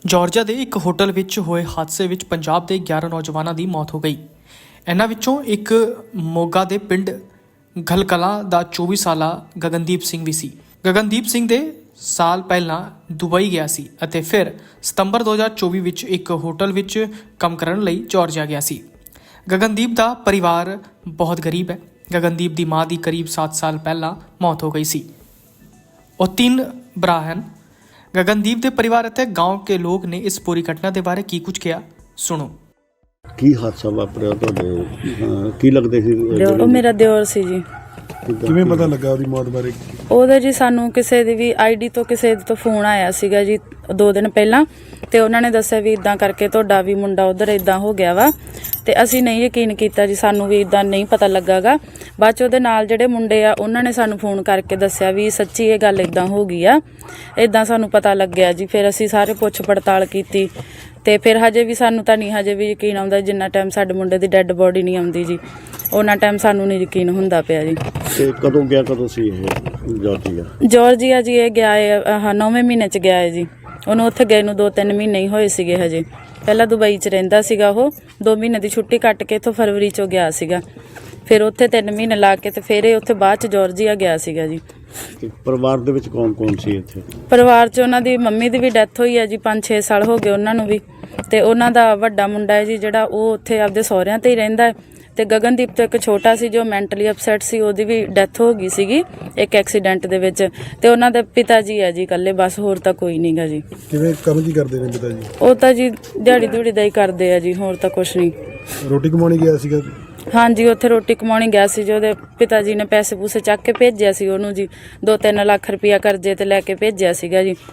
Georgia ਦੇ ਇੱਕ hotel ਵਿੱਚ ਹੋਏ ਹਾਦਸੇ ਵਿੱਚ ਪੰਜਾਬ ਦੇ 11 ਨੌਜਵਾਨਾਂ ਦੀ ਮੌਤ ਹੋ ਗਈ। ਇਹਨਾਂ ਵਿੱਚੋਂ ਇੱਕ ਮੋਗਾ ਦੇ ਪਿੰਡ ਗਲਕਲਾਂ ਦਾ 24 ਸਾਲਾ ਗਗਨਦੀਪ ਸਿੰਘ ਵੀ ਸੀ। ਗਗਨਦੀਪ ਸਿੰਘ ਦੇ ਸਾਲ ਪਹਿਲਾਂ ਦੁਬਈ ਗਿਆ ਸੀ ਅਤੇ ਫਿਰ ਸਤੰਬਰ 2024 ਵਿੱਚ ਇੱਕ ਹੋਟਲ ਵਿੱਚ ਕੰਮ ਕਰਨ ਲਈ ਜਾਰਜੀਆ ਗਿਆ ਸੀ। ਗਗਨਦੀਪ ਦਾ ਪਰਿਵਾਰ ਬਹੁਤ ਗਰੀਬ ਹੈ। ਗਗਨਦੀਪ ਦੀ ਮਾਂ ਦੀ ਕਰੀਬ 7 ਸਾਲ ਪਹਿਲਾਂ ਮੌਤ ਹੋ ਗਈ ਸੀ। ਉਹ 3 ਭਰਾ ਹਨ। गगनदीप के परिवार ਅਤੇ गांव के लोग ने इस पूरी घटना के बारे की कुछ किया, सुनो। ਕੀ ਹਾਦਸਾ ਵਾਪਰਿਆ ਤੁਹਾਡੇ? ਕੀ ਲੱਗਦੇ ਸੀ? ਉਹ ਮੇਰਾ ਦਿਓਰ ਸੀ ਜੀ। ਕਿਵੇਂ ਪਤਾ ਲੱਗਾ ਉਹਦੀ ਮੌਤ ਬਾਰੇ? ਉਹਦਾ ਜੀ ਸਾਨੂੰ ਕਿਸੇ ਦੀ ਵੀ ਆਈਡੀ ਤੋਂ ਕਿਸੇ ਤੋਂ ਫੋਨ ਆਇਆ ਸੀਗਾ ਜੀ 2 ਦਿਨ ਪਹਿਲਾਂ, ਤੇ ਉਹਨਾਂ ਨੇ ਦੱਸਿਆ ਵੀ ਇਦਾਂ ਕਰਕੇ ਤੁਹਾਡਾ ਵੀ ਮੁੰਡਾ ਉਧਰ ਇਦਾਂ ਹੋ ਗਿਆ ਵਾ, ਤੇ ਅਸੀਂ ਨਹੀਂ ਯਕੀਨ ਕੀਤਾ ਜੀ, ਸਾਨੂੰ ਵੀ ਇਦਾਂ ਨਹੀਂ ਪਤਾ ਲੱਗਾਗਾ। ਬਾਅਦ 'ਚ ਉਹਦੇ ਨਾਲ ਜਿਹੜੇ ਮੁੰਡੇ ਆ ਉਹਨਾਂ ਨੇ ਸਾਨੂੰ ਫੋਨ ਕਰਕੇ ਦੱਸਿਆ ਵੀ ਸੱਚੀ ਇਹ ਗੱਲ ਇਦਾਂ ਹੋ ਗਈ ਆ, ਇਦਾਂ ਸਾਨੂੰ ਪਤਾ ਲੱਗਿਆ ਜੀ। ਫਿਰ ਅਸੀਂ ਸਾਰੇ ਪੁੱਛ ਪੜਤਾਲ ਕੀਤੀ ਤੇ ਫਿਰ ਹਜੇ ਵੀ ਸਾਨੂੰ ਤਾਂ ਨਹੀਂ ਹਜੇ ਵੀ ਯਕੀਨ ਆਉਂਦਾ, ਜਿੰਨਾ ਟਾਈਮ ਸਾਡੇ ਮੁੰਡੇ ਦੀ ਡੈੱਡ ਬੋਡੀ ਨਹੀਂ ਆਉਂਦੀ ਜੀ ਉਹਨਾਂ ਟਾਈਮ ਸਾਨੂੰ ਨਹੀਂ ਯਕੀਨ ਹੁੰਦਾ ਪਿਆ ਜੀ। ਤੇ ਕਦੋਂ ਗਿਆ, ਕਦੋਂ ਸੀ ਇਹ ਜਾਰਜੀਆ ਜੀ? ਇਹ ਗਿਆ ਹੈ 9ਵੇਂ ਮਹੀਨੇ 'ਚ ਗਿਆ ਹੈ ਜੀ। ਉਹਨੂੰ ਉੱਥੇ ਗਏ ਨੂੰ 2-3 ਮਹੀਨੇ ਹੀ ਹੋਏ ਸੀਗੇ ਹਜੇ। ਪਹਿਲਾਂ ਦੁਬਈ 'ਚ ਰਹਿੰਦਾ ਸੀਗਾ, ਉਹ 2 ਮਹੀਨੇ ਦੀ ਛੁੱਟੀ ਕੱਟ ਕੇ ਇੱਥੋਂ ਫਰਵਰੀ 'ਚੋਂ ਗਿਆ ਸੀਗਾ। ਫਿਰ ਉੱਥੇ 3 ਮਹੀਨੇ ਲਾ ਕੇ ਤੇ ਫਿਰ ਇਹ ਉੱਥੇ ਬਾਅਦ 'ਚ ਜਾਰਜੀਆ ਗਿਆ ਸੀਗਾ ਜੀ। ਪਰਿਵਾਰ ਦੇ ਵਿੱਚ ਕੌਣ ਸੀ ਇੱਥੇ? ਪਰਿਵਾਰ 'ਚ ਉਹਨਾਂ ਦੀ ਮੰਮੀ ਦੀ ਵੀ ਡੈਥ ਹੋਈ ਹੈ ਜੀ, 5-6 ਸਾਲ ਹੋ ਗਏ ਉਹਨਾਂ ਨੂੰ ਵੀ, ਤੇ ਉਹਨਾਂ ਦਾ ਵੱਡਾ ਮੁੰਡਾ ਹੈ ਜੀ ਜਿਹੜਾ ਉਹ ਉੱਥੇ ਆਪਦੇ ਸਹੁਰਿਆਂ 'ਤੇ ਹੀ ਰਹਿੰਦਾ ਹੈ, ਤੇ ਗਗਨਦੀਪ ਤੋਂ ਇੱਕ ਛੋਟਾ ਸੀ ਜੋ ਮੈਂਟਲੀ ਅਪਸੈਟ ਸੀ, ਉਹਦੀ ਵੀ ਡੈਥ ਹੋ ਗਈ ਸੀਗੀ ਇੱਕ ਐਕਸੀਡੈਂਟ ਦੇ ਵਿੱਚ, ਤੇ ਉਹਨਾਂ ਦੇ ਪਿਤਾ ਜੀ ਹੈ ਜੀ ਇਕੱਲੇ, ਬਸ ਹੋਰ ਤਾਂ ਕੋਈ ਨਹੀਂ ਗਾ ਜੀ। ਕਿਵੇਂ ਕੰਮ ਕੀ ਕਰਦੇ ਨੇ ਪਿਤਾ ਜੀ? ਉਹ ਤਾਂ ਜੀ ਦਿਹਾੜੀ ਦਿਹੜੀ ਦਾ ਹੀ ਕਰਦੇ ਆ ਜੀ, ਹੋਰ ਤਾਂ ਕੁਛ ਨਹੀਂ। ਰੋਟੀ ਕਮਾਉਣੀ ਗਿਆ ਸੀਗਾ? ਹਾਂਜੀ, ਉੱਥੇ ਰੋਟੀ ਕਮਾਉਣੀ ਗਿਆ ਸੀ ਜੀ। ਉਹਦੇ ਪਿਤਾ ਜੀ ਨੇ ਪੈਸੇ ਪੂਸੇ ਚੱਕ ਕੇ ਭੇਜਿਆ ਸੀ ਉਹਨੂੰ ਜੀ, 2-3 ਲੱਖ ਰੁਪਇਆ ਕਰਜ਼ੇ ਤੇ ਲੈ ਕੇ ਭੇਜਿਆ ਸੀਗਾ ਜੀ।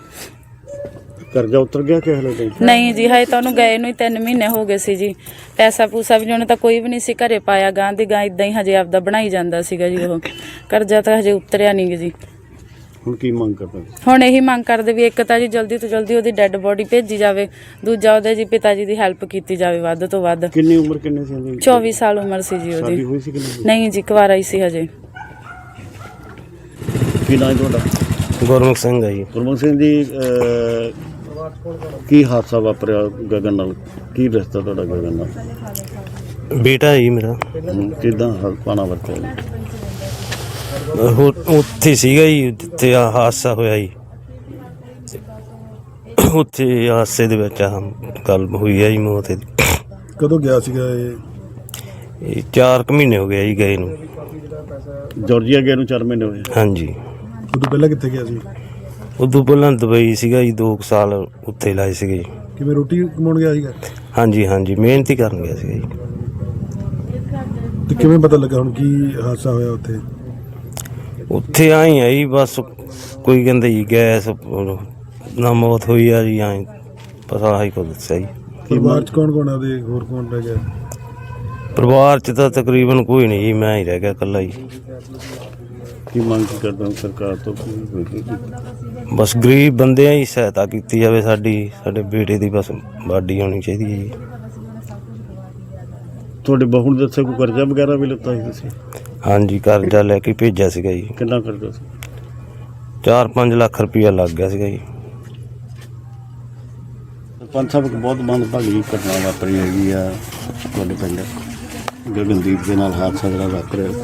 ਕਰਜ਼ਾ ਉਤਰ ਗਿਆ ਕਿ ਹਲੇ ਨਹੀਂ ਜੀ, ਹਜੇ ਤਾਂ ਉਹਨੂੰ ਗਏ ਨੂੰ ਹੀ 3 ਮਹੀਨੇ ਹੋ ਗਏ ਸੀ ਜੀ। ਪੈਸਾ ਪੂਸਾ ਵੀ ਉਹਨੇ ਤਾਂ ਕੋਈ ਵੀ ਨਹੀਂ ਸੀ ਘਰੇ ਪਾਇਆ, ਗਾਂ ਦੀ ਗਾਂ ਇਦਾਂ ਹੀ ਹਜੇ ਆਪਦਾ ਬਣਾਈ ਜਾਂਦਾ ਸੀਗਾ ਜੀ। ਉਹ ਕਰਜ਼ਾ ਤਾਂ ਹਜੇ ਉਤਰਿਆ ਨਹੀਂ ਜੀ। ਹੁਣ ਕੀ ਮੰਗ ਕਰਦੇ? ਹੁਣ ਇਹੀ ਮੰਗ ਕਰਦੇ ਵੀ ਇੱਕ ਤਾਂ ਜੀ ਜਲਦੀ ਤੋਂ ਜਲਦੀ ਉਹਦੀ ਡੈੱਡ ਬੋਡੀ ਭੇਜੀ ਜਾਵੇ, ਦੂਜਾ ਉਹਦੇ ਜੀ ਪਿਤਾ ਜੀ ਦੀ ਹੈਲਪ ਕੀਤੀ ਜਾਵੇ ਵੱਧ ਤੋਂ ਵੱਧ। ਕਿੰਨੀ ਉਮਰ ਕਿੰਨੀ ਸੀ ਉਹਦੀ? 24 ਸਾਲ ਉਮਰ ਸੀ ਜੀ ਉਹਦੀ। ਹੋਈ ਸੀ ਕਿ ਨਹੀਂ ਜੀ, ਕੁਆਰਾ ਹੀ ਸੀ ਹਜੇ। ਕੀ ਨਾਮ ਤੁਹਾਡਾ? ਗੁਰਮੁਖ ਸਿੰਘ ਹੈ ਜੀ। ਗੁਰਮੁਖ ਸਿੰਘ ਜੀ, ਕੀ ਹਾਦਸਾ ਵਾਪਰਿਆ ਗਗਨ ਨਾਲ? ਕੀ ਰਿਸ਼ਤਾ ਤੁਹਾਡਾ ਗਗਨ ਨਾਲ? ਬੇਟਾ ਜੀ ਮੇਰਾ। ਕਿੱਦਾਂ ਪਾਣਾ ਵਰਤਿਆ? ਉੱਥੇ ਸੀਗਾ ਜੀ ਜਿੱਥੇ ਆ ਹਾਦਸਾ ਹੋਇਆ ਜੀ, ਉੱਥੇ ਹਾਦਸੇ ਦੇ ਵਿੱਚ ਆ ਗੱਲ ਹੋਈ ਹੈ ਜੀ ਮੌਤ ਦੀ। ਕਦੋਂ ਗਿਆ ਸੀਗਾ ਇਹ 4 ਮਹੀਨੇ ਹੋ ਗਏ ਜੀ ਗਏ ਨੂੰ। ਜਾਰਜੀਆ ਗਏ ਨੂੰ 4 ਮਹੀਨੇ ਹੋਏ? ਹਾਂਜੀ। ਉਦੋਂ ਪਹਿਲਾਂ ਕਿੱਥੇ ਗਿਆ ਸੀ? ਉਦੋਂ ਪਹਿਲਾਂ ਦੁਬਈ ਸੀਗਾ ਜੀ, 2 ਸਾਲ ਉੱਥੇ ਲਾਏ ਸੀਗੇ ਜੀ। ਕਿਵੇਂ ਰੋਟੀ ਕਮਾਉਣ ਗਿਆ ਸੀਗਾ? ਹਾਂਜੀ ਹਾਂਜੀ, ਮਿਹਨਤ ਹੀ ਕਰਨ ਗਿਆ ਸੀਗਾ ਜੀ। ਤੇ ਕਿਵੇਂ ਪਤਾ ਲੱਗਾ ਹੁਣ ਕੀ ਹਾਦਸਾ ਹੋਇਆ ਉੱਥੇ? ਉੱਥੇ ਆਈ ਆ ਜੀ, ਬਸ ਕੋਈ ਕਹਿੰਦੇ ਜੀ ਗੈਸ ਨਾ ਮੌਤ ਹੋਈ ਆ ਜੀ, ਆਏ ਪਤਾ ਆਹੀ ਕੁਝ ਦੱਸਿਆ ਜੀ। ਪਰਿਵਾਰ ਚ ਕੌਣ ਆ ਉਹਦੇ? ਹੋਰ ਕੌਣ ਰਹਿ ਗਿਆ? ਪਰਿਵਾਰ ਚ ਤਾਂ ਤਕਰੀਬਨ ਕੋਈ ਨਹੀਂ ਜੀ, ਮੈਂ ਹੀ ਰਹਿ ਗਿਆ ਇਕੱਲਾ ਜੀ। ਕੀ ਮੰਗ ਕਰਦਾ ਸਰਕਾਰ ਤੋਂ? ਬਸ ਗਰੀਬ ਬੰਦੇ ਆ ਜੀ, ਸਹਾਇਤਾ ਕੀਤੀ ਜਾਵੇ ਸਾਡੀ, ਸਾਡੇ ਬੇਟੇ ਦੀ ਬਸ ਬਾਡੀ ਹੋਣੀ ਚਾਹੀਦੀ ਹੈ ਜੀ। ਤੁਹਾਡੇ ਬਹੂ ਨੇ ਦੱਸਿਆ ਕੋਈ ਕਰਜ਼ਾ ਵਗੈਰਾ ਵੀ ਲਿੱਤਾ ਸੀ ਤੁਸੀਂ? ਹਾਂਜੀ, ਕਰਜ਼ਾ ਲੈ ਕੇ ਭੇਜਿਆ ਸੀਗਾ ਜੀ। ਕਿੰਨਾ ਕਰਜ਼ਾ ਸੀ? 4-5 ਲੱਖ ਰੁਪਇਆ ਲੱਗ ਗਿਆ ਸੀਗਾ ਜੀ। ਪੰਜ ਸਾਹਿਬ, ਬਹੁਤ ਮੰਦਭਾਗੀ ਘਟਨਾ ਵਾਪਰੀ ਹੈਗੀ ਆ ਤੁਹਾਡੇ ਪਿੰਡ ਗਗਨਦੀਪ ਦੇ ਨਾਲ ਹਾਦਸਾ ਜਿਹੜਾ ਵਾਪਰਿਆ।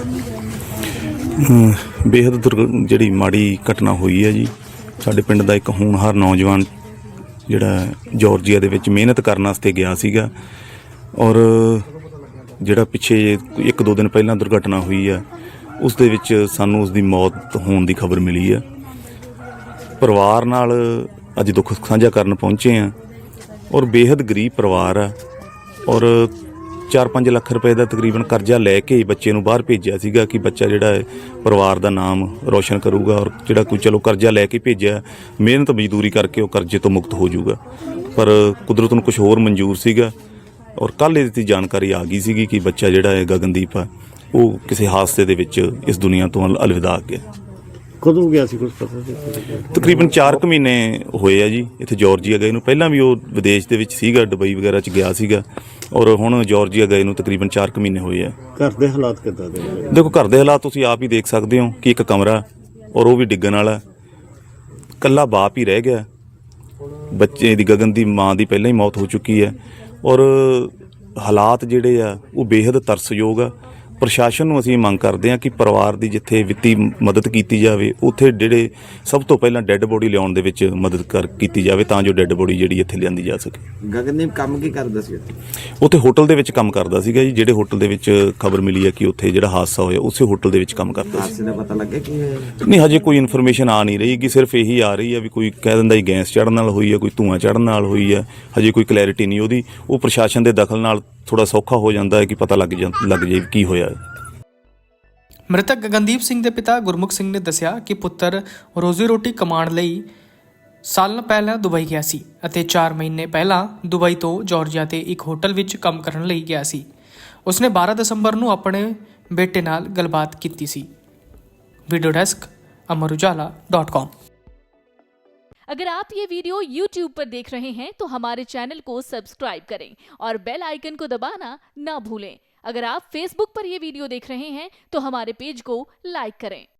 ਬੇਹੱਦ ਜਿਹੜੀ ਮਾੜੀ ਘਟਨਾ ਹੋਈ ਹੈ ਜੀ। ਸਾਡੇ ਪਿੰਡ ਦਾ ਇੱਕ ਹੋਣਹਾਰ ਨੌਜਵਾਨ ਜਿਹੜਾ ਜਾਰਜੀਆ ਦੇ ਵਿੱਚ ਮਿਹਨਤ ਕਰਨ ਵਾਸਤੇ ਗਿਆ ਸੀਗਾ, ਔਰ ਜਿਹੜਾ ਪਿੱਛੇ 1-2 ਦਿਨ ਪਹਿਲਾਂ ਦੁਰਘਟਨਾ ਹੋਈ ਆ, ਉਸ ਦੇ ਵਿੱਚ ਸਾਨੂੰ ਉਸ ਦੀ ਮੌਤ ਹੋਣ ਦੀ ਖਬਰ ਮਿਲੀ ਆ। ਪਰਿਵਾਰ ਨਾਲ ਅੱਜ ਦੁੱਖ ਸਾਂਝਾ ਕਰਨ ਪਹੁੰਚੇ ਆ, ਔਰ ਬੇਹੱਦ ਗਰੀਬ ਪਰਿਵਾਰ ਆ, ਔਰ 4-5 ਲੱਖ ਰੁਪਏ ਦਾ ਤਕਰੀਬਨ ਕਰਜ਼ਾ ਲੈ ਕੇ ਬੱਚੇ ਨੂੰ ਬਾਹਰ ਭੇਜਿਆ ਸੀਗਾ ਕਿ ਬੱਚਾ ਜਿਹੜਾ ਹੈ ਪਰਿਵਾਰ ਦਾ ਨਾਮ ਰੋਸ਼ਨ ਕਰੂਗਾ, ਔਰ ਜਿਹੜਾ ਕੋਈ ਚਲੋ ਕਰਜ਼ਾ ਲੈ ਕੇ ਭੇਜਿਆ, ਮਿਹਨਤ ਮਜ਼ਦੂਰੀ ਕਰਕੇ ਉਹ ਕਰਜ਼ੇ ਤੋਂ ਮੁਕਤ ਹੋ ਜਾਊਗਾ। ਪਰ ਕੁਦਰਤ ਨੂੰ ਕੁਝ ਹੋਰ ਮਨਜ਼ੂਰ ਸੀਗਾ, ਔਰ ਕੱਲ੍ਹ ਇਹਦੀ ਜਾਣਕਾਰੀ ਆ ਗਈ ਸੀਗੀ ਕਿ ਬੱਚਾ ਜਿਹੜਾ ਹੈ ਗਗਨਦੀਪ ਆ, ਉਹ ਕਿਸੇ ਹਾਦਸੇ ਦੇ ਵਿੱਚ ਇਸ ਦੁਨੀਆ ਤੋਂ ਅਲਵਿਦਾ ਗਿਆ। ਕਦੋਂ ਗਿਆ ਸੀ ਕੁਝ ਪਤਾ ਸੀ? ਤਕਰੀਬਨ 4 ਮਹੀਨੇ ਹੋਏ ਆ ਜੀ ਇੱਥੇ ਜਾਰਜੀਆ ਗਏ ਨੂੰ। ਪਹਿਲਾਂ ਵੀ ਉਹ ਵਿਦੇਸ਼ ਦੇ ਵਿੱਚ ਸੀਗਾ, ਦੁਬਈ ਵਗੈਰਾ 'ਚ ਗਿਆ ਸੀਗਾ, ਔਰ ਹੁਣ ਜਾਰਜੀਆ ਗਏ ਨੂੰ ਤਕਰੀਬਨ 4 ਮਹੀਨੇ ਹੋਏ ਆ। ਘਰ ਦੇ ਹਾਲਾਤ ਕਿੱਦਾਂ ਦੇ? ਦੇਖੋ, ਘਰ ਦੇ ਹਾਲਾਤ ਤੁਸੀਂ ਆਪ ਹੀ ਦੇਖ ਸਕਦੇ ਹੋ ਕਿ ਇੱਕ ਕਮਰਾ, ਔਰ ਉਹ ਵੀ ਡਿੱਗਣ ਵਾਲਾ, ਇਕੱਲਾ ਬਾਪ ਹੀ ਰਹਿ ਗਿਆ, ਬੱਚੇ ਦੀ ਗਗਨ ਦੀ ਮਾਂ ਦੀ ਪਹਿਲਾਂ ਹੀ ਮੌਤ ਹੋ ਚੁੱਕੀ ਹੈ ਔਰ ਹਾਲਾਤ ਜਿਹੜੇ ਆ ਉਹ ਬੇਹੱਦ ਤਰਸਯੋਗ ਆ। ਪ੍ਰਸ਼ਾਸਨ ਨੂੰ ਅਸੀਂ ਮੰਗ ਕਰਦੇ ਹਾਂ ਕਿ ਪਰਿਵਾਰ ਦੀ ਜਿੱਥੇ ਵਿੱਤੀ ਮਦਦ ਕੀਤੀ ਜਾਵੇ ਉੱਥੇ ਜਿਹੜੇ ਸਭ ਤੋਂ ਪਹਿਲਾਂ ਡੈੱਡ ਬੋਡੀ ਲਿਆਉਣ ਦੇ ਵਿੱਚ ਮਦਦ ਕੀਤੀ ਜਾਵੇ ਤਾਂ ਜੋ ਡੈੱਡ ਬੋਡੀ ਜਿਹੜੀ ਇੱਥੇ ਲਿਆਂਦੀ ਜਾ ਸਕੇ। ਗਗਨਦੀਪ ਕੰਮ ਕੀ ਕਰਦਾ ਸੀ ਉੱਥੇ ਹੋਟਲ ਦੇ ਵਿੱਚ ਕੰਮ ਕਰਦਾ ਸੀਗਾ ਜੀ। ਜਿਹੜੇ ਹੋਟਲ ਦੇ ਵਿੱਚ ਖਬਰ ਮਿਲੀ ਹੈ ਕਿ ਉੱਥੇ ਜਿਹੜਾ ਹਾਦਸਾ ਹੋਇਆ ਉਸੇ ਹੋਟਲ ਦੇ ਵਿੱਚ ਕੰਮ ਕਰਦਾ ਸੀ। ਹਾਦਸੇ ਦਾ ਪਤਾ ਲੱਗਿਆ ਕੀ ਹੋਇਆ? ਨਹੀਂ, ਹਜੇ ਕੋਈ ਇਨਫੋਰਮੇਸ਼ਨ ਆ ਨਹੀਂ ਰਹੀ ਕਿ ਸਿਰਫ ਇਹੀ ਆ ਰਹੀ ਹੈ ਵੀ ਕੋਈ ਕਹਿ ਦਿੰਦਾ ਜੀ ਗੈਸ ਚੜ੍ਹਨ ਨਾਲ ਹੋਈ ਹੈ, ਕੋਈ ਧੂੰਆਂ ਚੜ੍ਹਨ ਨਾਲ ਹੋਈ ਹੈ। ਹਜੇ ਕੋਈ ਕਲੈਰਿਟੀ ਨਹੀਂ ਉਹਦੀ। ਉਹ ਪ੍ਰਸ਼ਾਸਨ ਦੇ ਦਖਲ ਨਾਲ ਥੋੜਾ ਸੌਖਾ ਹੋ ਜਾਂਦਾ ਹੈ ਕਿ ਪਤਾ ਲੱਗ ਜਾਏ ਕੀ ਹੋਇਆ। ਮ੍ਰਿਤਕ ਗਗਨਦੀਪ ਸਿੰਘ ਦੇ ਪਿਤਾ ਗੁਰਮੁਖ ਸਿੰਘ ਨੇ ਦੱਸਿਆ ਕਿ ਪੁੱਤਰ ਰੋਜ਼ੀ ਰੋਟੀ ਕਮਾਉਣ ਲਈ ਸਾਲਾਂ ਪਹਿਲਾਂ ਦੁਬਈ ਗਿਆ ਸੀ ਅਤੇ 4 ਮਹੀਨੇ ਪਹਿਲਾਂ ਦੁਬਈ ਤੋਂ ਜਾਰਜੀਆ ਦੇ ਇੱਕ ਹੋਟਲ ਵਿੱਚ ਕੰਮ ਕਰਨ ਲਈ ਗਿਆ ਸੀ। ਉਸਨੇ 12 ਦਸੰਬਰ ਨੂੰ ਆਪਣੇ ਬੇਟੇ ਨਾਲ ਗੱਲਬਾਤ ਕੀਤੀ ਸੀ। Video desk amarujala.com। अगर आप ये वीडियो YouTube पर देख रहे हैं तो हमारे चैनल को सब्सक्राइब करें और बेल आइकन को दबाना ना भूलें। अगर आप Facebook पर ये वीडियो देख रहे हैं तो हमारे पेज को लाइक करें।